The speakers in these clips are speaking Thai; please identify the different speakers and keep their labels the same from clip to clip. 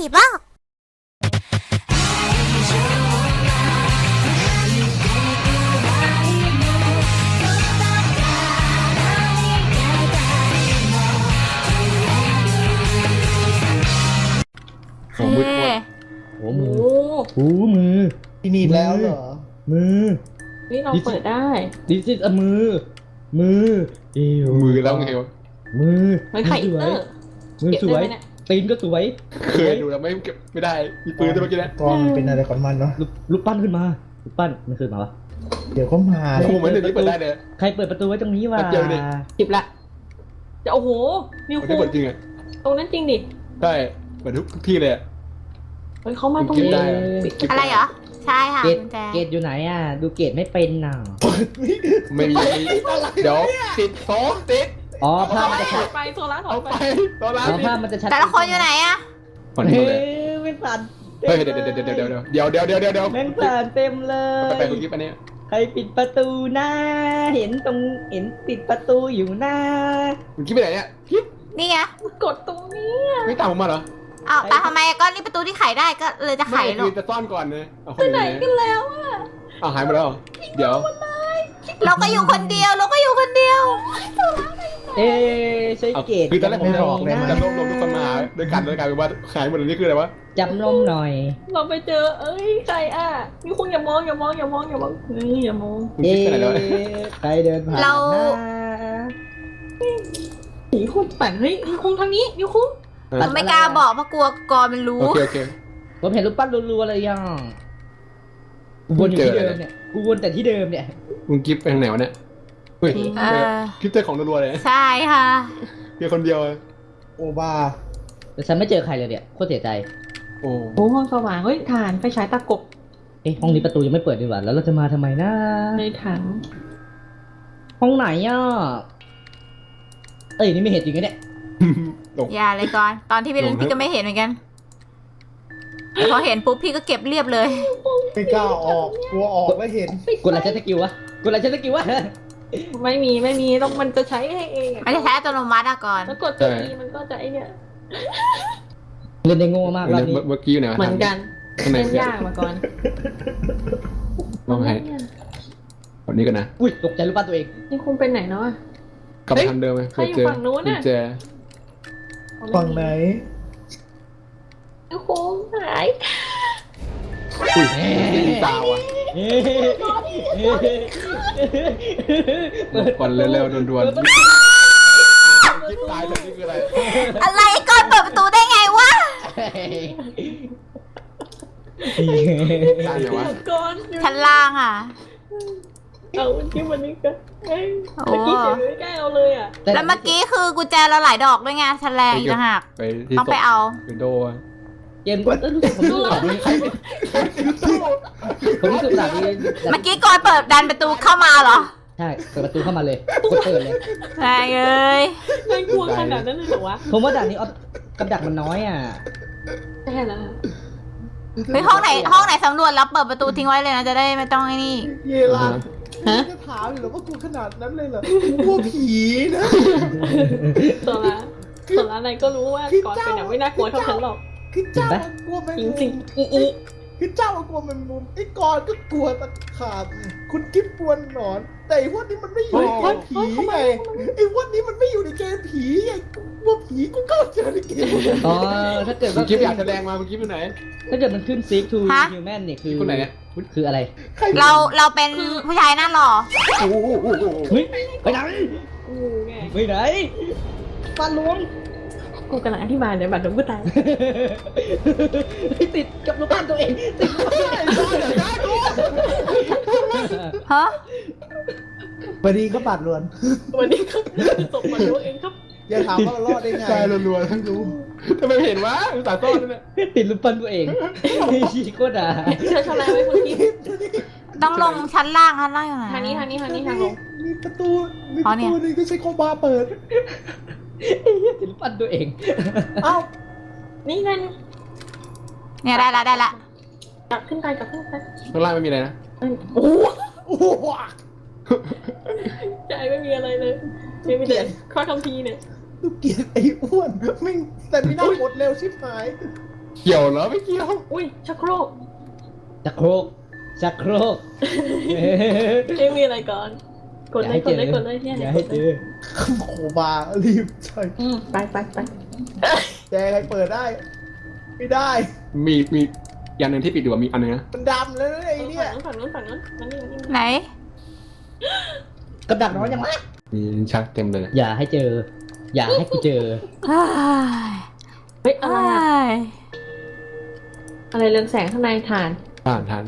Speaker 1: บ้าง
Speaker 2: หัวมือหัวมือหูมือ
Speaker 3: ที่นี่แล้วเหรอ
Speaker 2: มือ
Speaker 4: นี่เราเปิดได้
Speaker 2: ดิจิตอมือ มือเอว
Speaker 5: มือแล้วไงวะ
Speaker 2: มือ
Speaker 4: มันไข่อินเตอร์
Speaker 2: มือสวย
Speaker 4: เก็บได้ไหมเนี่ย
Speaker 2: ตีนก็สวย
Speaker 5: เคยดูแล้วไม่เก็บไม่ได้มีปืนด้วยเมื่อกี้นะ
Speaker 3: กองเป็นอะไรของมันเนาะ
Speaker 2: ลูกปั้นขึ้นมาลูกปั้นมันขึ้นมาวะ
Speaker 3: เดี๋ยวเขามา
Speaker 5: โอ้โหเหมือนเดี๋ยวนี้เปิดได้เลย
Speaker 2: ใครเปิดประตูไว้ตรงนี้วะ
Speaker 5: แป๊บเดียวดิ
Speaker 4: หยิบละจะโอ้โหนิว
Speaker 5: มัน
Speaker 4: คู
Speaker 5: ได้เปิดจริงอ่ะ
Speaker 4: ตรงนั้นจริงดิ
Speaker 5: ใช่เปิดทุกที่เลยอ่ะ
Speaker 4: เฮ้ยเขามาตรง
Speaker 5: เก็บ
Speaker 4: นี้
Speaker 5: ได้
Speaker 1: อะไรเหรอ ใช่ค่ะ
Speaker 2: เกต
Speaker 1: กุญแจ
Speaker 2: เกตอยู่ไหนอ่ะ ดูเกตไม่เป็นน่ะ
Speaker 5: ไม่มีเดี๋ยวติดโซ่ติด
Speaker 2: อ๋อภาพมันจะ
Speaker 4: ถ
Speaker 2: ชั
Speaker 4: อ
Speaker 2: ด
Speaker 4: ยไปโซล่าถอ
Speaker 5: เอา
Speaker 4: ย
Speaker 5: ไป
Speaker 4: ไป
Speaker 5: ตอนร้าน
Speaker 2: อ๋อ
Speaker 5: นี้
Speaker 2: ภาพมันจะชัด
Speaker 1: แต่ละคนอยู่ไหนอะ
Speaker 5: ผ่อน
Speaker 2: เฮ้
Speaker 5: เลย
Speaker 2: ยไม่ผ่าน
Speaker 5: เฮ้ยเดี๋ยว
Speaker 2: แม่งผ่านเต็มเล
Speaker 5: ไป
Speaker 2: ย
Speaker 5: คุณกิ๊บอันนี้
Speaker 2: ใครปิดประตูหน้า เห็นตรงเห็นปิดประตูอยู่หน้า
Speaker 5: คุณกิ๊บไปไหนเนี่ยกิ๊บ
Speaker 1: นี่ไง
Speaker 4: กดตรงนี้
Speaker 5: ไม่ตามผมมาเหรอ
Speaker 1: อ้าวแต่ทำไมก็นี่ประตูที่ไขได้ก็เลยจะไข
Speaker 5: ไม่
Speaker 1: ลู
Speaker 5: คื
Speaker 1: ก
Speaker 5: อจะซ่อนก่อนเลยเอาค
Speaker 4: ไป
Speaker 5: น
Speaker 4: ไหน
Speaker 5: นี้
Speaker 4: กันแล้วอะ
Speaker 5: เอาหายหมดแล้วเดี๋ยว
Speaker 1: เราก็อยู่คนเดียวเราก็อยู่คนเดียว
Speaker 2: เอ๊ะใช่เกต
Speaker 5: คือตอนแรกผม
Speaker 2: จำน
Speaker 5: บอกเลย
Speaker 2: นะ
Speaker 5: จะรวบรวมทุกคนมาหาด้วยกันแล้วกลายเป็นว่าหายหมดเลยนี่คืออะไรวะ
Speaker 2: จำนมหน่อย
Speaker 4: เราไปเจอเอ้ยใครอ่ะนิวคูอย่ามองอย่ามองอย่ามองอย่ามองนี่อย่ามอง
Speaker 5: คุณ
Speaker 2: เอ๊
Speaker 5: กิ๊บไปไหนแล้ว
Speaker 2: ะใครเดินผ่าน
Speaker 1: เรา
Speaker 2: หน้า
Speaker 4: นิวคูปั่นเฮ้ยนิวคูทางนี้นิวคู
Speaker 1: ผมไม่กล้าบอกเพราะกลัวกอมันรู้
Speaker 5: โอเค
Speaker 2: ผมเห็นรูปปั้นรัวๆเลยยังกูวนอยู่ที่เดิมเนี่ยกูวนแต่ที่เดิมเนี่ย
Speaker 5: คุณกิ๊บไปทางไหนวะเนี่ยเฮ้ย
Speaker 1: เออ
Speaker 5: กิ๊บเจอของรัวๆเลย
Speaker 1: ใช่ค่ะ
Speaker 5: เพียงคนเดียว
Speaker 3: โอบา
Speaker 2: แต่ฉันไม่เจอใครเลยเนี่ยโคตรเสียใจ
Speaker 5: โอ้
Speaker 4: โอ้ห้องสว่างเฮ้ยฐานไฟฉายตากบ
Speaker 2: เอ๊ะห้องนี้ประตูยังไม่เปิดดีกว่าแล้วเราจะมาทำไมนะ
Speaker 4: ในถัง
Speaker 2: ห้องไหนอ่ะเอ้ยนี่ไม่เห็นจริงๆเนี่ย
Speaker 5: ตก
Speaker 1: อย่าเลยก่อน ตอนที่พี่เล่นพี่ก็ไม่เห็นเหมือนกันแต่พอเห็นปุ๊บพี่ก็เก็บเรียบเลย
Speaker 3: ไม่กล้าออกกลัวออกแล้วเห็น
Speaker 2: กดอะไรใช้สกิลวะกดอะไรใช้สกิลวะ
Speaker 4: ไม่มีต้องมันจะใช้ให้เองอะ
Speaker 1: ไม่ได้ใช้อัตโนมัติอะก่อน
Speaker 4: แล้วกดตัวอีมันก็จะไอเนี่ย
Speaker 2: เล่นได้โง่มากรอบนี้
Speaker 5: เมื่อกี้อยู่ไหนวะ
Speaker 4: เหมือนกัน
Speaker 5: ข้างใน
Speaker 4: เล่นยากมาก่อน
Speaker 5: ลองให้คนนี้กันนะ
Speaker 2: อุ้ยตกใจรูปปั้นตัวเอง
Speaker 4: นี่คุณเป็นไหนเนาะ
Speaker 5: กลับไปทางเดิมไหม
Speaker 4: ใครอยู่ฝั่งนู้นน่ะ
Speaker 5: กุญแจ
Speaker 3: ฝั่งไหน
Speaker 4: นี่คุณหาย
Speaker 5: อุ้ยได้ยินตาว่ะ
Speaker 2: เฮ้ย
Speaker 5: หลบก่อนเร็วๆด่วนๆกิ๊บตายเลยนี่คืออะไร
Speaker 1: อะไรก่อนเปิดประตูได้ไงวะ
Speaker 5: ตายไหนวะ
Speaker 4: ก่อน
Speaker 1: ชั้นล่างอ่ะ
Speaker 4: เอาที่มันนี่ก็เอ้ย
Speaker 1: โอ้
Speaker 4: เมื่อกี้เดี๋ยวไม่กล้าเอาเลยอ่ะ
Speaker 1: แล้วเมื่อกี้คือกุญแจเราหลายดอกด้วยไงชั้นแรงอีกต่างหาก
Speaker 5: ไปที่
Speaker 1: ต้องไปเอา
Speaker 5: วินโดว์
Speaker 2: เกมรู้สึกผมรู้สึกแบบนี้ผมรู้สึกแบบนี้
Speaker 1: เมื่อกี้ก่อนเปิดดันประตูเข้ามาเหรอ
Speaker 2: ใช่เปิดประตูเข้ามาเลยกดเปิดเลย
Speaker 1: แรงเอ้ย
Speaker 4: น่ากลัวขนาดนั้นเลยเหรอวะ
Speaker 2: ผมว่าด่านนี้ออฟกับดักมันน้อยอ่ะ
Speaker 4: ใช่แล้ว
Speaker 1: เฮ้ยห้องไหนสำรวจแล้วเปิดประตูทิ้งไว้เลยนะจะได้ไม่ต้องไอ้นี่
Speaker 3: เยลาจะถามอยู่เหรอว่ากลัวขนาดนั้นเลยเหรอกลัวผีนะ
Speaker 4: ตัวละนายก็รู้ว่าก่อนเป็นอย่างไม่น่ากลัวเท่าฉันหรอก
Speaker 3: คือเจ้ากลัวแมง
Speaker 4: จ
Speaker 3: มุ
Speaker 4: ริง
Speaker 3: ม
Speaker 4: ๆอี
Speaker 3: คือเจ้ากลัวแมงมุมไอ้กอนก็กลัวตะขาบคุณกิ๊บกลัวหนอน แต่ไอ้พวกนี้มันไม่อยู่ในเกมผีไงไอ้พวกนี้มันไม่อยู่ในเกมผีไงกลัวผีกูก็เจอในเกม
Speaker 2: อ๋อถ้าเกิด
Speaker 5: คุณ
Speaker 2: ว่า
Speaker 5: กิ๊บอยากแสดงมาคุณกิ๊บอยู่ไหน
Speaker 2: ถ้าเกิดมันขึ้น seek to
Speaker 1: ฮะ
Speaker 2: human เนี่ยคือ
Speaker 5: คนไหนเนี่ย
Speaker 2: คืออะไร
Speaker 3: ใคร
Speaker 1: เราเป็นผู้ชายหน้าหล่อ
Speaker 5: โอ้โห
Speaker 2: เฮ้ยไปไหน
Speaker 4: กูไง
Speaker 2: ไปไหนฟันล้วง
Speaker 4: กูกำลังอธิบายเลยบัตรหลวงกูตาย
Speaker 2: ติดกับลูกบ้านตัวเองติดกับลูกบ้านตัวเอง
Speaker 1: ฮะ
Speaker 3: วันนี้ก็บาดลวน
Speaker 4: วันนี้ครับตกมาดูเองครับ
Speaker 3: อย่าถามว่าเรารอดได้ไง
Speaker 5: ตายรัวๆทั้งรู้ทำไมไม่เห็นวะอุตส่าห์ซ่อนนั่นแหละ
Speaker 2: ติดลูกปั้นตัวเองชี้โคตรด่า
Speaker 4: เชื่อชนะไว้เมื่อกี้
Speaker 1: ต้องลงชั้นล่างอยู่ไหน
Speaker 4: ทางนี้ทางลง
Speaker 3: มีประตูมีป
Speaker 1: อ๋อ
Speaker 3: ระ
Speaker 1: เนี่ย
Speaker 3: ตูนึงก็ใช้โคบาเปิด
Speaker 2: ติดลูกปั้นตัวเอง
Speaker 3: เอ้า
Speaker 4: นี่นั่น
Speaker 1: เนี่ยได้ละ
Speaker 4: กลับขึ้นไป
Speaker 5: ข้างล่างไม่มีอะไรนะ
Speaker 4: โอ้
Speaker 3: โอ้โห
Speaker 4: ใจไม่มีอะไรเลยไม่มีแต่ข้อคำพีเนี่ย
Speaker 3: ลูกเกียดไอ้อ้วนแม่งแต่ไม่น่าหมดเร็วชิบหาย
Speaker 5: เกี่ยวเหรอไม่เกี่ยว
Speaker 4: อุ้ยชักโครก
Speaker 2: ชักโครกชักโครก
Speaker 4: ไม่มีอะไรก่อนกดเลยกดเลยกดเลยเนี่ย
Speaker 2: อย่าให้เจอ
Speaker 3: โคบารีบใช่
Speaker 4: ไปไปไป
Speaker 3: แจใครเปิดได้ ไม่ได้
Speaker 5: มีอย่างหนึ่งที่ปิดอยู่มีอันนึงนะ
Speaker 3: มันดำแล้วไอ้เนี่ย
Speaker 4: ฝั่งนู้นมันนี่
Speaker 1: ไหน
Speaker 2: กับดักน้อยยังไง
Speaker 5: มีชักเต็มเลย
Speaker 2: อย่าให้เจอ อย่าให้กูเจอ
Speaker 1: เฮ้ย
Speaker 4: เฮ้ยอะไร
Speaker 1: เฮ้
Speaker 4: อะ
Speaker 1: ย
Speaker 4: อะไรเรืองแสงข้างในฐาน
Speaker 5: ผ่านทัน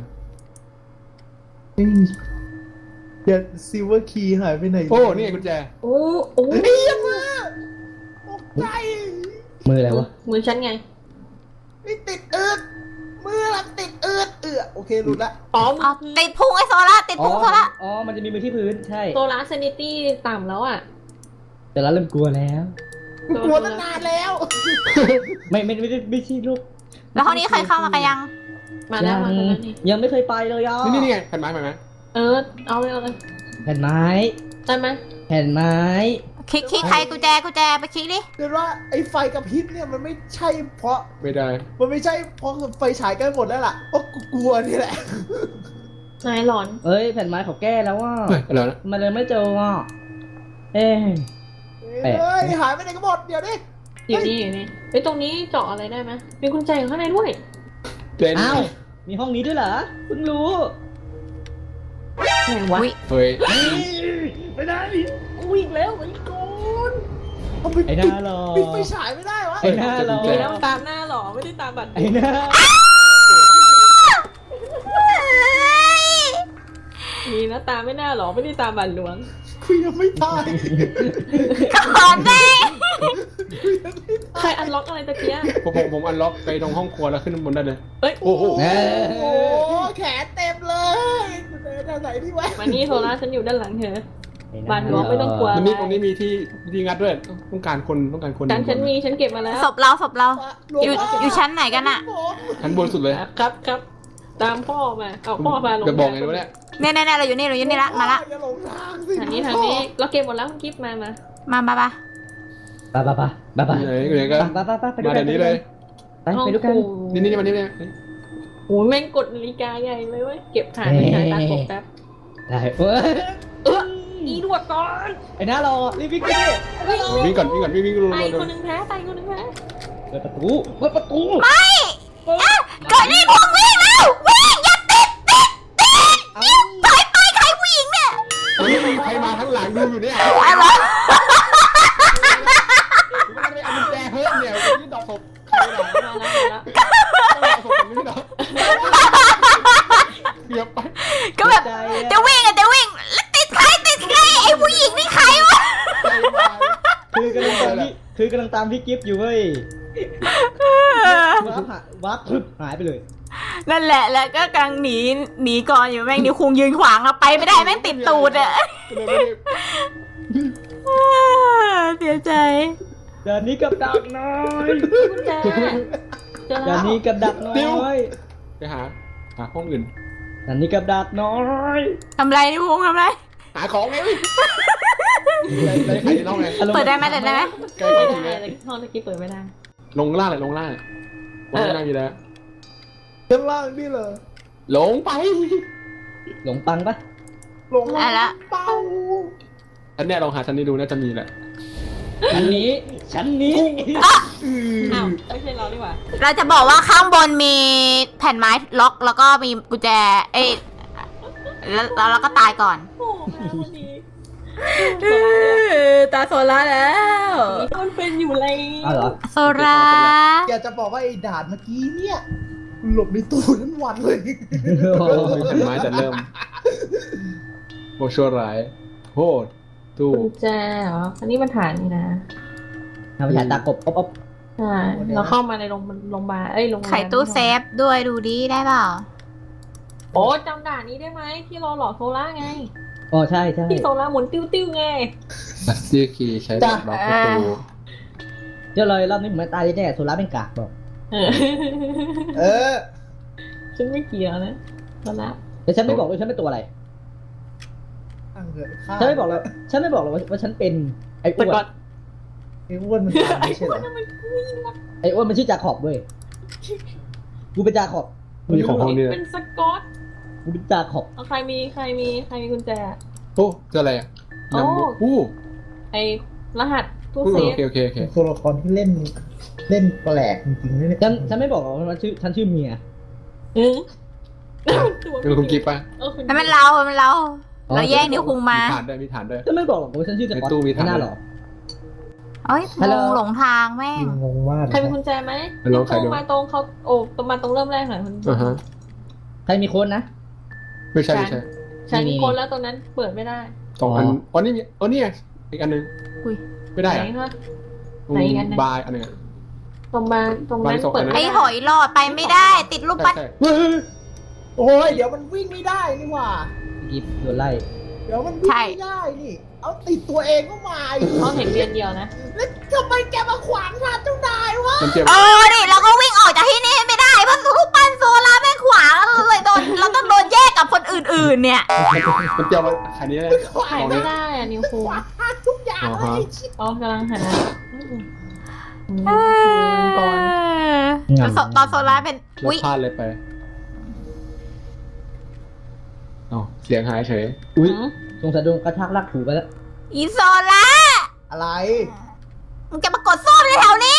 Speaker 3: เดี๋ยวซิลเวอร์คีย์หายไปไหน
Speaker 5: โอ้นี่ไงกุญแจ
Speaker 4: โอ้โอ้
Speaker 3: ไอ้ยังมาตกใจ
Speaker 2: มืออะไรวะ
Speaker 4: มือฉันไง
Speaker 3: นี่ติดอืดมือลัติดอืดโอเคหลุดละ
Speaker 4: อ๋อ
Speaker 1: เอาติดพุงไอ้โซล่าติดพุงโซล่า
Speaker 2: อ๋อ มันจะมีมือที่พื้น ใช่
Speaker 4: โซลาร์เซนิตี้ต่ำแล้วอ่ะ
Speaker 2: แต่ละเริ่มกลัวแล้ว
Speaker 3: กลัวตั้งนานแล้ว
Speaker 2: ไม่ใช่ลูก
Speaker 1: แล้วห้องนี้ใครเข้ามากันยัง
Speaker 4: มาแล้วมาแล้วนี่
Speaker 2: ยังไม่เคยไปเลยอ่ะ
Speaker 5: นี่ไงแผ่นไม้ไหม
Speaker 4: เอาเลย
Speaker 2: แผ่นไม้
Speaker 4: ได้ไหม
Speaker 2: แผ่นไม้
Speaker 1: คลิกใครกุญแจไปคลิกดิ
Speaker 3: เดี๋ยวว่าไอ้ไฟกระพริบเนี่ยมันไม่ใช่เพราะ
Speaker 5: ไม่ได้
Speaker 3: มันไม่ใช่เพราะไฟฉายกันหมดแล้วล่ะเพราะกูกลัวนี่แหละ
Speaker 4: นายหลอน
Speaker 2: เอ้ย แผ่นไม้เขาแก้แล้วว่า
Speaker 5: เฮ้ยอะไรนะ
Speaker 2: มันเลยไม่เจออ่ะเอ๊ะ แปลก
Speaker 3: เฮ้ยหายไปไหนกันหมดเดี๋ยวดิ
Speaker 4: อยู่นี่อยู่นี่เฮ้ยตรงนี้เจาะอะไรได้ไหมมีกุญแจอยู่ข้างในด้วย
Speaker 5: เล่น
Speaker 2: อ้าว มีห้องนี้ด้วยเหรอเพิ่งรู้
Speaker 4: ไหนวะ
Speaker 1: อุ๊ย
Speaker 5: เฮ้ย
Speaker 2: ไม่ได้กูอีกแล้วไอ้โกน
Speaker 3: เอาไป
Speaker 2: ไอ้หน้าหรอ
Speaker 3: ปิดไฟฉายไม่ได้วะ
Speaker 2: ไอ้หน้าหรอ
Speaker 4: มีน้ำตามหน้าหรอไม่ได้ตามบัตร
Speaker 2: ไอ้หน้า
Speaker 4: มีนะตามไม่น่าหรอไม่ได้ตามบัตรหลวง
Speaker 3: คุยยังไม่ตาย
Speaker 1: ก่อนดิ
Speaker 4: ใครอันล็อกอะไรตะเกีย
Speaker 5: ผมอันล็อกไปตรงห้องครัวแล้วขึ้นบนได้เลย
Speaker 4: เอ้ย
Speaker 5: โอ้โห
Speaker 2: เอ้
Speaker 3: โอ้
Speaker 2: ย
Speaker 3: โหแขนเต็มเลยเดินทางไหนดีวะ
Speaker 4: มานี่โซล่าฉันอยู่ด้านหลังเธอ บ้านหลวงไม่ต้องกลัว
Speaker 5: ตรงนี้มีที่งัดด้วยต้องการคน
Speaker 4: ฉันมีฉันเก็บมาแล้ว
Speaker 1: ศพเราอยู่ชั้นไหนกันอะ
Speaker 5: ชั้นบนสุดเลย
Speaker 4: ครับตามพ่อมาเอาพ่อมาลง
Speaker 5: จะบอกไงรู้เนี่ย
Speaker 1: เนี่ยเราอยู่นี่ละมาละ
Speaker 3: อย่าหลงทางสิ
Speaker 4: ทางนี้เราเก็บหมดแล้วคุณกิฟต์มา
Speaker 1: มา
Speaker 2: ไป
Speaker 5: ไหนก็
Speaker 2: ไปดู
Speaker 5: มา
Speaker 2: กั
Speaker 5: เดี๋ยวนี้เลย
Speaker 2: ไปดูกัน
Speaker 5: นี่มานี่เลย
Speaker 4: โอ้ยแม่งกดนาฬิกาใหญ่เลยเว้ยเก็บถ่านไปถ่ายตากบแป๊บ
Speaker 2: ได้เอ้ย
Speaker 4: อีดวดก่อน
Speaker 2: ไอ้หน้ารอรีบวิ่งไปดิ
Speaker 5: วิ่งก่อนวิ่งลง
Speaker 4: ไตคนหนึ่งแพ้
Speaker 2: เปิดประตู
Speaker 1: ไม่เกิดนี่พุงวิ่งแล้ววิ่งอย่าติด
Speaker 2: เอา
Speaker 1: ถอยไปใครผู้หญิงเนี่ย
Speaker 5: ใครมาทั้งหลังดูอยู่เนี่ย
Speaker 1: อะไร
Speaker 5: ไม่ได้เอากุญแจเพิ่มเนี่ยนี่ดอกศพใครหรอ
Speaker 4: มาแล้ว
Speaker 5: ดอกศพนี่หรอเกือบไป
Speaker 1: ก็แบบจะวิ่งแล้วติดใครไอ้ผู้หญิงนี่ใครวะ
Speaker 2: คือกำลังตามพี่กิฟต์อยู่เว้ยวับพึบหายไปเลย
Speaker 1: นั่นแหละแล้วก็กำลังหนีก่อนอยู่แม่งนิ้วคุงยืนขวางเราไปไม่ได้แม่งติดตูดอะเสียใจ
Speaker 2: จานนี้กับดักน้อย
Speaker 4: กุญแจเจอ
Speaker 2: จา
Speaker 4: แล้
Speaker 2: น
Speaker 4: ว
Speaker 2: นี้กับดักน้อย
Speaker 5: ไปหาห้องอื่น
Speaker 2: จานนี้กับดักน้อย
Speaker 1: ทำไรนิ้วคุงทำไร
Speaker 5: หาของไงได้ใครในห้องไง
Speaker 1: เปิดได้ไหม
Speaker 5: ใกล้
Speaker 4: ไม่
Speaker 5: จริง
Speaker 4: ได้
Speaker 5: เลย
Speaker 4: ห้องตะกี้เปิดไม่ได้
Speaker 5: ลงล่างวันล่างมีแล้ว
Speaker 3: ข้างล่างนี่เหรอ
Speaker 5: ลงไป
Speaker 2: หลงปังปะ
Speaker 3: ลงล่างเป้า
Speaker 5: อันเนี้ยลองหาชั้นนี้ดูน่าจะมีแหละ
Speaker 2: ชั้นนี้
Speaker 4: อ้าวไม่ใช่เราดีกว่า
Speaker 1: เราจะบอกว่าข้างบนมีแผ่นไม้ล็อกแล้วก็มีกุญแจแล้วเราก็ตายก่อน
Speaker 4: โอ้แม่วันนี้
Speaker 1: ตาโซล่าแล้ว
Speaker 4: มันเป็นอยู่เลย
Speaker 2: อ้าวเหรอ
Speaker 1: โซล่า
Speaker 3: อยากจะบอกว่าไอ้ด่านเมื่อกี้เนี่ยหลบในตู้ทั้งวันเลย
Speaker 5: มีแผ่นไม้แต่เริ่มโมชั่วร้ายโหดตู้
Speaker 4: กุญแจเหรออันนี้มันฐานนี่นะ
Speaker 2: ทำไปฉายตากบอ๊อบ
Speaker 4: ใช่เราเข้ามาในโรงพยาบาลโรงแรม
Speaker 1: ไขตู้เซฟด้วยดูดีได้เปล่า
Speaker 4: โอ้จำด่านนี้ได้ไหมที่เราหลอกโซล่าไง
Speaker 2: อ๋อใช่
Speaker 4: ที่โซล่าหมุนติ้วไง
Speaker 5: บัสตี้คีย์ใช้ล็อกประตู
Speaker 2: เจ้าเลยรอบนี้เหมือนตายแน่โซล่าเป็นกากบอก
Speaker 3: เออ
Speaker 4: ฉันไม่เกี่ยวนะโซล่า
Speaker 2: แต่ฉันไม่บอกเลยฉันเป็นตัวอะไร
Speaker 3: ตั้งเถอะ
Speaker 2: ฉันไม่บอกเลยว่าฉันเป็นไอ้อ้วน
Speaker 3: ไอ้อ้วนมันตายไม่ใช่เหรอ
Speaker 2: ไอ้อ้วนมันชื่อจาขอบเว้ยกูเป็นจาขอบ
Speaker 5: มีของห้องนี้
Speaker 4: เป็นสกอต
Speaker 2: กูเป็นจาขอบ
Speaker 4: เอาใครมีกุญแจ
Speaker 5: โอ้เจออะไรอ่ะ
Speaker 4: โอ้
Speaker 5: นำอู้
Speaker 4: ไอรหัสตู้
Speaker 5: โอ
Speaker 4: เซฟ
Speaker 5: เคโอเคโอเค
Speaker 3: ตัวละครที่เล่นแปลกจริงๆนะเนี่ย
Speaker 2: ฉันไม่บอกหรอกว่าฉันชื่อเมีย
Speaker 4: อืม
Speaker 5: เป็นคุณกิฟต์ป่ะ
Speaker 4: คุณ
Speaker 1: นั่นมันเราเราแย่งนิ้วคุงมา
Speaker 5: ฐานด้วยมีฐานด้วย
Speaker 2: ฉันไม่บอกหรอกว่าฉันชื่อสกอต
Speaker 5: ในตู้มีถัง
Speaker 2: ไม่น่าหรอก
Speaker 1: เอ้ย
Speaker 2: ฮัลโหล
Speaker 1: หลงทางแม่ง
Speaker 3: งงมาก
Speaker 4: ใครมีกุญแจไหม
Speaker 5: ไปลองใครดู
Speaker 4: มาตรงเขาโอ้ตรงมาตรงเริ่มแรกหน่อยคุณ
Speaker 5: อ่าฮะ
Speaker 2: ใครมีโค้ดนะ
Speaker 5: ไม่ใช่ไม่ใช่
Speaker 4: ฉันมีคนแล้วตรงนั้นเปิดไม่ได้
Speaker 5: สองอันอ๋อนี่มีอ๋อนี่ไงอีกอันหนึง
Speaker 1: อุ้ย
Speaker 5: ไม่ได้
Speaker 4: ไหน
Speaker 5: อ่ะ
Speaker 4: คะ ไหนอีกอันหนึ่ง
Speaker 5: บายอันหนึงอะ
Speaker 4: ตรงนั้น
Speaker 5: บ้านสอง
Speaker 4: เปิด
Speaker 5: อัน
Speaker 1: ไอ้
Speaker 4: ไม่
Speaker 1: ห
Speaker 4: ได้
Speaker 1: อยหลอดไปไม่ได้ ติดรูป
Speaker 5: ใช่
Speaker 1: ปั้น
Speaker 5: ใช่
Speaker 3: โอ้ยเดี๋ยวมันวิ่งไม่ได้นี่หว่า
Speaker 2: กิฟต์โดนไล่
Speaker 3: เดี๋ยวมันวิ่งไม่ได้นี่ เอาติดตัวเองก็มาอีก
Speaker 4: เขาเห็นเรียนเดียวนะ
Speaker 3: แล้วทำไมแกมาขวางทางเจ้านายวะ
Speaker 5: มันเจ็บ
Speaker 1: ดิเราก็วิ่งออกจากที่นี่ไม่ได้เพราะรูปปั้นโซลาร์แม่งขวางเราเลยโดนเราต้องโดนแยกกับคนอื่นๆเนี่ย
Speaker 5: มันเจ็บมันขายนี้ได้
Speaker 4: ถ่ายไม่ได้อะนิวคู
Speaker 3: ขวางทางทุกอย่างเลยไอ้ชิบ
Speaker 4: อ๋อกำลังหาก่อน
Speaker 1: ตอนโซลาร์เป็น
Speaker 5: เรา
Speaker 1: อุ้ย
Speaker 5: พลาดเลยไปอ๋อเสียงหายเฉย
Speaker 2: อุ้ยสงสัยโดนกระชากลากถูไปแล้ว
Speaker 1: อีโซลาร์
Speaker 3: อะไร
Speaker 1: มึงจะมากดส้วมในแถวนี้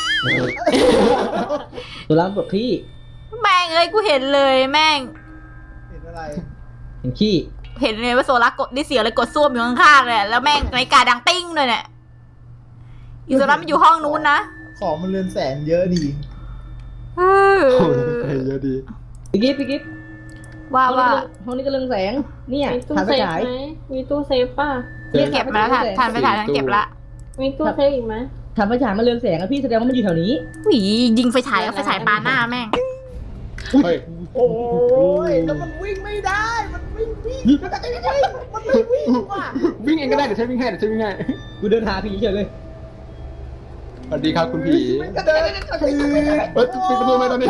Speaker 2: ตัวร้านปวดขี้
Speaker 1: แม่งเอ้ยกูเห็นเลยแม่ง
Speaker 3: เห็นอะไร
Speaker 2: เห็นขี้
Speaker 1: เห็นเลยว่าโซลาร์กดได้เสียงเลยกดส้วมอยู่ข้างๆเลยแล้วแม่งนาฬิกาดังติ้งเลยเนี่ยอีโซลาร์มันอยู่ห้องนู้นนะ
Speaker 3: ของมันเรือนแสนเยอะดี
Speaker 5: โอ้ยเยอะดี
Speaker 2: พี่กิฟต์
Speaker 1: ว่า
Speaker 2: ห้องนี้ก็เรืองแสงเนี่ย
Speaker 4: มีตู้
Speaker 2: ถ่าน
Speaker 4: เซ
Speaker 2: ไฟ
Speaker 4: ฟ
Speaker 2: ฉาย
Speaker 4: ไหมมีตู้เซฟป่ะ
Speaker 1: เก็บมาแล้วทานไปถ่ายทั้งเก็บละ
Speaker 4: มีตู้เซฟอีกไหม
Speaker 2: ถ่านไฟฉายมันเรืองแสงอะพี่แสดงว่ามันอยู่แถวนี้
Speaker 1: หวียิงไฟฉายเอาไฟฉายปาหน้าแม่ง
Speaker 5: เฮ้ย
Speaker 3: โอ้ยแล้วมันวิ่งไม่ได้ มันวิ่งมันไม่วิ่งว่ะ
Speaker 5: วิ่งเองก็ได้เดี๋ยวใช้วิ่งให้
Speaker 2: กูเดินหาผีเฉยเลย
Speaker 5: สวัสดีครับคุณผี
Speaker 3: มันก็เดิน
Speaker 5: เฮ้ยปิดประตูไหมตอนนี้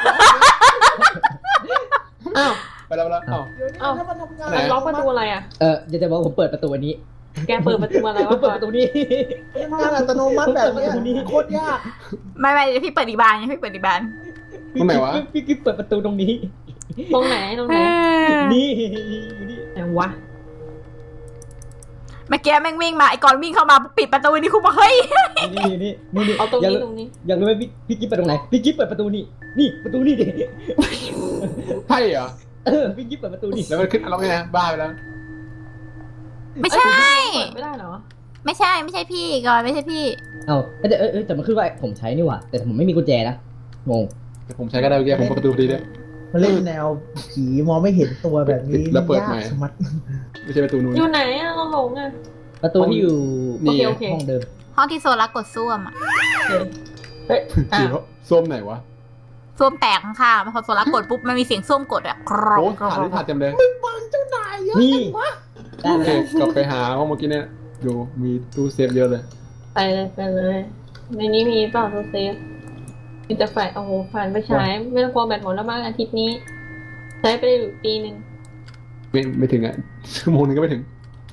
Speaker 5: อ้าวไปแล้วอ้าว
Speaker 3: เดี๋ยวนี้ถ้ามันทำงาน
Speaker 5: ไหน
Speaker 4: ล็อกประตูอะไรอ่ะ
Speaker 2: อยากจะบอกผมเปิดประตูอันนี้
Speaker 4: แกเปิดประตูอะไร
Speaker 2: ผม
Speaker 4: วะ
Speaker 2: เปิดประตูนี้
Speaker 3: ทำงานอัตโนมัติแบบเนี้ยโคตรยาก
Speaker 1: ไม่เดี๋ยวพี่เปิดอีกบานพี่เปิดอีกบาน
Speaker 5: ตรงไหนวะ
Speaker 2: พี่กิฟต์เปิดประตูตรงนี้
Speaker 4: ตรงไหน
Speaker 2: นี่อยู่นี่
Speaker 4: ไหนวะ
Speaker 1: เมื่อกี้แม่งวิ่งมาไอ้กอนวิ่งเข้ามาปิดประตูนี่คุณบอกเฮ้ย
Speaker 2: นี่
Speaker 4: เอาตรง
Speaker 2: อยาก
Speaker 4: นี้
Speaker 2: รู้
Speaker 4: ตรงนี้
Speaker 2: อยากรู้ไหมพี่กิฟต์เปิดตรงไหนพี่กิฟต์เปิดประตูนี่ประตูนี่ดิ
Speaker 5: ใช่เหรอ
Speaker 2: พี่กิฟต์เปิดประตูนี่
Speaker 5: แล้วมันขึ้นล็อกไงนะบ้าไปแล้ว
Speaker 1: ไม่ใช่
Speaker 4: เปิดไม่ได้เหรอ
Speaker 1: ไม่ใช่พี่กอนไม่ใช่พี่
Speaker 2: แต่มันขึ้นว่าผมใช้นี่หว่าแต่ผมไม่มีกุญแจนะงง
Speaker 5: แต่ผมใช้ก็ได้เมื่อกี้ผมเปิดประตูพอดีด้วย
Speaker 3: มันเล่นแนวผีมองไม่เห็นตัวแบบนี้
Speaker 5: แล้วเปิดใหม่
Speaker 3: ยากชะมัด
Speaker 5: ไม่ใช่ประตูนู้น
Speaker 4: อยู่ไหนอ่ะเราหลงอ่ะ
Speaker 2: ประตูที่อยู่
Speaker 5: นี่
Speaker 4: โอเค
Speaker 2: ห้องเดิม
Speaker 1: ห้องที่โซลาร์กดส้วมอะ
Speaker 4: เฮ้ย
Speaker 5: ผีส้มไหนวะ
Speaker 1: ส้วมแตกข้างๆพอโซลาร์กดปุ๊บมันมีเสียงส้วมกดอะกรอบ
Speaker 5: โอ้ผ่านนี่ผ่านเต็มเลย
Speaker 3: บังเจ้านายเยอะ
Speaker 2: นี่
Speaker 3: จังวะ
Speaker 2: ได้
Speaker 5: โอเค
Speaker 2: แล้ว
Speaker 5: กลับไปหาห้องเมื่อกี้เนี่ยดูมีตู้เซฟเยอะเลย
Speaker 4: ไปเลยในนี้มีเปล่าตู้เซฟมีแต่ไฟโอ้โหผ่านไปใช้ไม่ต้องกลัวแบตหมดแล้วบ้างอาทิตย์นี้ ใช้ไปได้อยู่ปีนึง
Speaker 5: ไม่ถึงอ่ะชั่วโมงนึงก็ไม่ถึง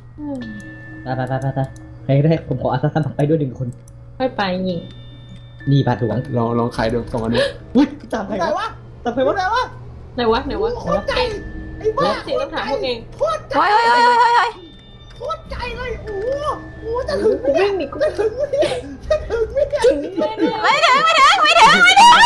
Speaker 2: ไปใครได้ผมขออาสาสมัครไปด้วย1 คน
Speaker 4: ค่อยไปยิง
Speaker 2: นี่บาทหลวง
Speaker 5: ลองขายดู2อันนี้
Speaker 2: อุ้ยจับใคร
Speaker 3: ไหน
Speaker 2: วะ
Speaker 3: วะ
Speaker 2: จับใครวะ
Speaker 3: ไหนวะ
Speaker 4: ไหนวะ
Speaker 3: โคตรใจไอ้บ้า
Speaker 4: เสียงต้องถามพวกเอง
Speaker 3: โคตรใจ
Speaker 1: เฮ้ย
Speaker 3: โคตรใจเลยโอ้โหจะถึงไหม
Speaker 4: วิ่งหนีกู
Speaker 3: จะถึงไหมจะถึงไหม
Speaker 4: ถึงแน่
Speaker 1: ไม่ถึง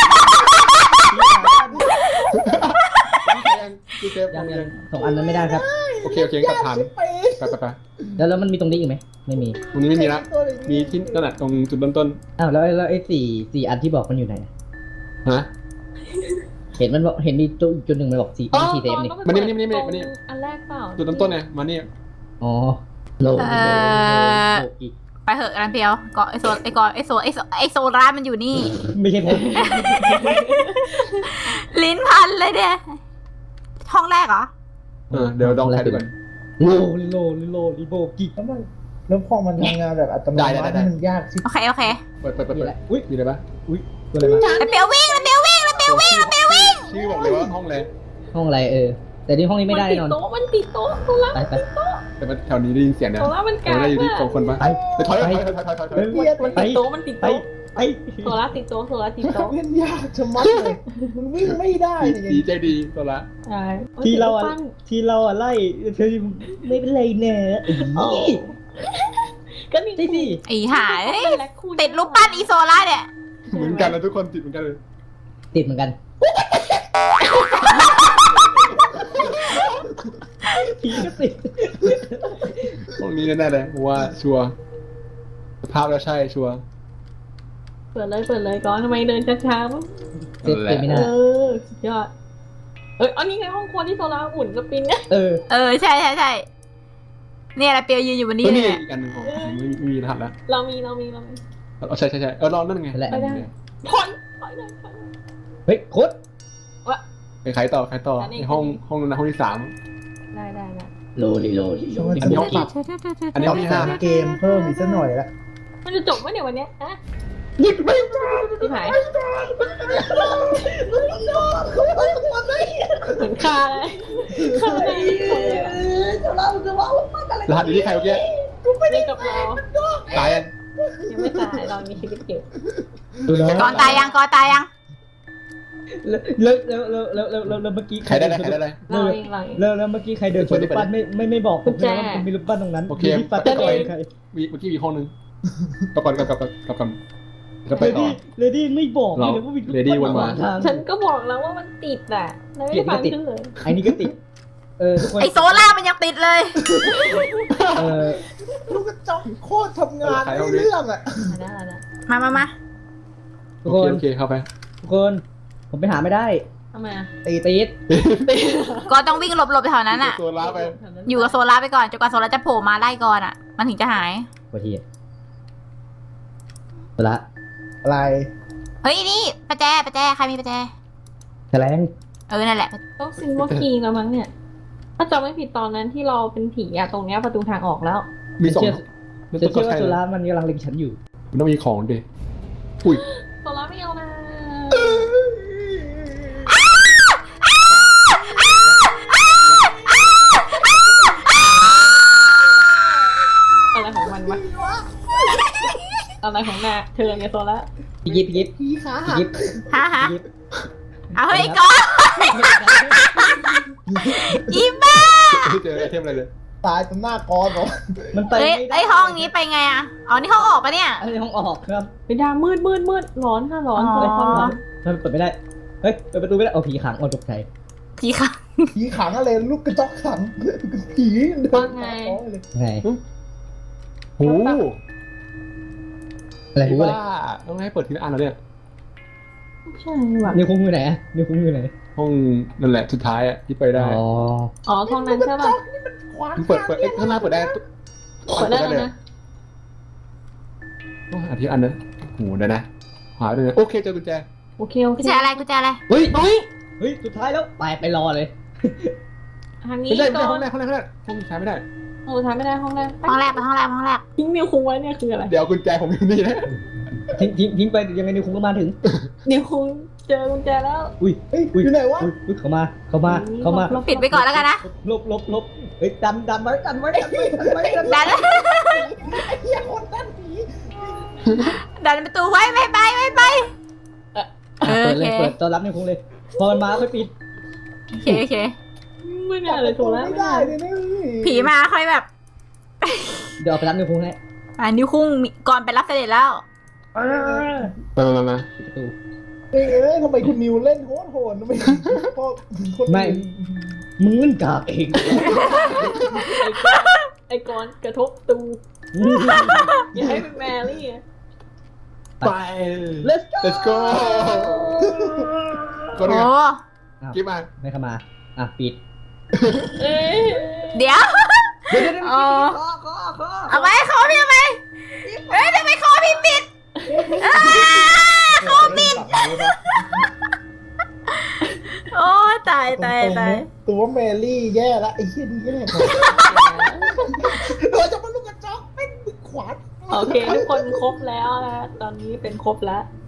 Speaker 5: ตู้เซฟ
Speaker 2: ยัง2 อันนั้นไม่ได้ครับ
Speaker 5: โอเคกลับทันไป
Speaker 2: แล้วมันมีตรงนี้อีกไหมไม่มี
Speaker 5: ตรงนี้ไม่มีละมีที่นั่นแหละตรงจุดเริ่มต้น
Speaker 2: อ้าวแล้วไอ้สี่อันที่บอกมันอยู่ไหน
Speaker 5: ฮะ
Speaker 2: เห็นมันบอกเห็นมีตัวจุดหนึ่งมันบอก4
Speaker 4: อ๋อ
Speaker 2: 4เซฟนี่
Speaker 5: มานี่
Speaker 4: อันแรกเปล่า
Speaker 5: จุดเริ่มต้นไงมานี่
Speaker 2: อ๋อโลอีก
Speaker 1: ไปเหอะกันเพียวก็ไอโซลาร์มันอยู่นี่
Speaker 2: ไม่ใช่ผม
Speaker 1: ลิ้นพันเลยเนี่ยห้องแรกเหรอ
Speaker 5: เดี๋ยวลองขายดูก่อน
Speaker 2: โลลิโบกิ
Speaker 3: แล้วพอมันทำงานแบบอัตโนมัติมันยากชิบ
Speaker 1: โอเค
Speaker 5: เปิด
Speaker 2: นี่แหละอุ้ย
Speaker 5: มีอะไรปะ
Speaker 2: ตัวอะไรมา
Speaker 1: แล้วเปียววิ่ง
Speaker 5: ชื่อบอกเลยว่าห้องอะไร
Speaker 2: ห้องอะไรแต่นี่ห้องนี้ไม่ได้แน่นอน
Speaker 4: มันติดโต๊ะโซล่า
Speaker 2: ไป
Speaker 5: แต่แถวนี้ได้ยินเสียงเนี่ย
Speaker 4: โซล่ามันกา
Speaker 5: ได้อยู่ที่
Speaker 4: ก
Speaker 5: 2 คนปะไปถอย
Speaker 3: เกียด
Speaker 4: มันติดโต๊ะ
Speaker 2: ไปไอ้
Speaker 4: โซล่าติดโต๊ะโซล่าติดโต๊ะ
Speaker 3: เล่นยากชะมัดเลยมึงวิ่งไม่ได้เนี่ย
Speaker 5: ดีใจดีตัวละ
Speaker 4: ใช่
Speaker 2: ที่เราอะไล่เธอไม่เป็นไรเนอะ
Speaker 4: โอ้ก็นี่
Speaker 2: ใช่สิ
Speaker 1: ไอ้ห่าเอ้ยติดรูปปั้นอีโซล่าเนี่ย
Speaker 5: เหมือนกันนะทุกคนติดเหมือนกันเลย
Speaker 2: ติดเหมือนกันผีก็ติด
Speaker 5: ตรงนี้แน่ๆเลยเพราะว่าชัวร์สภาพแล้วใช่ชัวร์
Speaker 4: เปิดเลยก่อนทำไมเดินช้าๆมั้ง
Speaker 2: ติดไม่
Speaker 4: เอ
Speaker 2: น่า
Speaker 4: อสุดยอดอันนี้ไงห้องครัวที่โซล่าอุ่นสปินเนี่ย
Speaker 1: ใช่เนี่ยแหละเปียวยืนอยู่บนนี้
Speaker 5: ก็
Speaker 1: เล
Speaker 5: นี่
Speaker 1: ย
Speaker 5: อีกอันหนึ่งของผมไม่มีรหัสแล้ว
Speaker 4: เรามี
Speaker 5: ใช่ลองนั่นไง
Speaker 2: แหละ
Speaker 4: ไม่ได้ถอยเลย
Speaker 2: เฮ้ยโคตร
Speaker 5: ไปขายต่อในห้องนั้นห้องที่3
Speaker 4: ได้
Speaker 2: โลดิ
Speaker 5: อันนี้ห้องปรับอันนี้ห้องที่
Speaker 3: เกมเพิ่มอีกสักหน่อยละ
Speaker 4: มันจะจบไหมเนี่ยวันเนี้ยฮะ
Speaker 3: หยุดไม่
Speaker 4: ที่หาย
Speaker 3: ได้
Speaker 4: เหมือนคาเลยคาเลย
Speaker 5: รหัสอยู่ที่ใครเมื่อกี้
Speaker 4: เล่นกับเรา
Speaker 5: ตายยัง
Speaker 4: ยังไม่ตายเรามีชีวิตอยู่
Speaker 2: ดูนะ
Speaker 1: ก่อนตายยัง
Speaker 2: แล้วเมื่อกี้
Speaker 5: ใครได้อะไร
Speaker 4: เราเอง
Speaker 2: แล้วเมื่อกี้ใครเดินชนรูปปั้นไม่บอกผมเลยว่ามันมีรูปปั้นตรงนั้น
Speaker 5: โอเค
Speaker 2: ที่ปัดตะกอนใคร
Speaker 5: เมื่อกี้มีห้องนึงกลับก่อนก็ไปต่อ
Speaker 2: เลดี้ไม่บอกเลยว่ามีรูปปั้น
Speaker 5: Lady วนมา
Speaker 2: ทาง
Speaker 4: ฉันก็บอกแล้วว่ามันติดอ่ะแล้วไม่ฟังขึ้นเลย
Speaker 2: ไอ้นี่ก็ติดทุกคน
Speaker 1: ไอโซล่ามันยังติดเลย
Speaker 3: ลูกกระจอกโคตรทำงานไม่เรื่องอ่ะ
Speaker 4: ได้
Speaker 1: มา
Speaker 2: ทุกคน
Speaker 5: โอเคเข้าไป
Speaker 2: ทุกคนผมไปหาไม่ได้
Speaker 4: ทำไมอ่ะ
Speaker 2: ติด
Speaker 1: ก็ต้องวิ่งหลบแถวนั้นอ่ะ
Speaker 5: ตัวล้าไป
Speaker 1: อยู่กับโซล่าไปก่อนจนกว่าโซล่าจะโผล่มาไล่ก่อนอ่ะ มันถึงจะหาย
Speaker 2: กว่าทีละ
Speaker 3: อะไร
Speaker 1: เฮ้ยนี่ประแจใครมีประแจ
Speaker 2: แถลง
Speaker 1: นั่นแหละ
Speaker 4: ต้องซิมว่าคีย์แล้วมั้งเนี่ยถ้าจำไม่ผิดตอนนั้นที่เราเป็นผีอะตรงเนี้ยประตูทางออกแล้ว
Speaker 5: มี2
Speaker 2: ฉันเชื่อว่าสุรามันกำลังเล็งฉันอยู่
Speaker 5: มันต้องมีของดิอุ้ย
Speaker 4: โซล่าไม่เอานะอะไรของมันวะอะไรของนาเธอเนี่ยโซล่า
Speaker 2: พี่ยิบ
Speaker 3: ผีขาหัก
Speaker 2: ยิบ
Speaker 1: ฮะเอาเฮ้ยก่อนอีบ้า
Speaker 5: ไม่เจอไอเทมอะไรเลย
Speaker 3: ตายตรงหน้ากอนเหรอ
Speaker 2: มันไป
Speaker 1: เฮ้ย
Speaker 2: ไม่ได้
Speaker 1: ไอห้องนี้ไปไงอ่ะอ๋อนี่ห้องออกปะเนี่ย
Speaker 2: ไอ้ห้องออกครับ
Speaker 4: ไปดามืดร้อนค่ะร้อน
Speaker 1: อ๋อ
Speaker 4: เลยความร้อน
Speaker 2: มันเปิดไม่ได้เฮ้ยเปิดประตูไม่ได้เอาผีขังตกใจ
Speaker 1: ผีค่ะ
Speaker 3: ผีขังอะไรลูกกระจอกขังผีเดินมาเลย
Speaker 2: ไง
Speaker 5: โอ้
Speaker 2: อะไรรู้อะไร
Speaker 5: ว่าต้องให้เปิดทีละอันแล้วเนี่ย
Speaker 4: ใช่ว่ะ
Speaker 2: นิวคุ้งอยู่ไหนนิวคุ้งอยู่ไหน
Speaker 5: ห้องนั่นแหละสุดท้ายอ่ะที่ไปได้
Speaker 4: อ๋อท้องนั้นใช่ป่ะ
Speaker 3: ขวาง
Speaker 5: เปิดข้างหน้าเปิดได้
Speaker 4: เปิดได้แล้วนะ
Speaker 5: ต้องหาทีอันนะโหเดี๋ยวนะหาด้วยนะโอเคเจอกุญแจ
Speaker 4: โอเค
Speaker 1: กุญแจอะไร
Speaker 2: เฮ้ยสุดท้ายแล้วไปรอเลย
Speaker 4: ทางนี้
Speaker 5: ไม่ได้
Speaker 4: ก่อ
Speaker 5: ห้อน งแรกห้องใช้ไม่ได้
Speaker 4: โอ้ทำไม่ได้ห้องแรก
Speaker 1: ห้องแรกไปห้องแรก
Speaker 4: ทิ้งมิวคุงไว้เนี่ยคืออะไร
Speaker 5: เดี๋ยวกุญแจผมอยู่นี่นะ
Speaker 2: ทิ้งไปยังไงนิวคุ้งก็มาถึง
Speaker 4: นิวคุงเจอกุญแจแล้ว
Speaker 2: อุ้ย
Speaker 3: เฮ้ยอยู่ไหนวะ
Speaker 2: เข้ามา
Speaker 1: ปิดไปก่อนแล้วกันนะ
Speaker 2: ลบเฮ้ยดันไว้
Speaker 1: ดัน
Speaker 3: ไอ้เหี้ยคนนั่นผี
Speaker 1: ดันประตูไว้ไม่ไปโอ
Speaker 2: เปิด
Speaker 1: เค
Speaker 2: เลยเปิดต้อนรับนิวคุ้งเลยพอมันมาค่อยปิด
Speaker 1: โอเค
Speaker 4: ไม่น่าเลยถูกแล้ว
Speaker 3: ไม่ได้เลยนะ
Speaker 1: ผีมาค่อยแบบ
Speaker 2: เดี๋ยวเอาไปรับนิวคุ้งให้
Speaker 1: นิ้วคุ้งก่อนไปรับเสด็จแล้ว
Speaker 5: มา
Speaker 2: ปิดประตู
Speaker 3: เอ้ยทำไมคุณนิวเล่นโหดทำไมพอคน
Speaker 2: ไม่มึงมันกากเอง
Speaker 4: ไอ้กอนกระทบตูอย่าให้เป็นแมรี่อะ
Speaker 5: ไป
Speaker 2: Let's go
Speaker 5: ก็ได้
Speaker 1: โอ้
Speaker 5: กิ๊บมา
Speaker 2: ไม่เข้ามาปิด
Speaker 4: เอ๊ะ
Speaker 1: เดี๋ยว
Speaker 2: เดี๋ยว
Speaker 1: อ๋อเอาไว้เขาพี่ทำไมเฮ้ยทำไมเขาพี่ปิดเขาปิดโอ้ตาย
Speaker 3: ตัวแมรี่แย่ละไอ้เหี้ยนี่แย่เราจะมาลูกกระจอกเป็นขวาน
Speaker 4: โอเคทุกคนครบแล้วนะตอนนี้เป็นครบแล้ว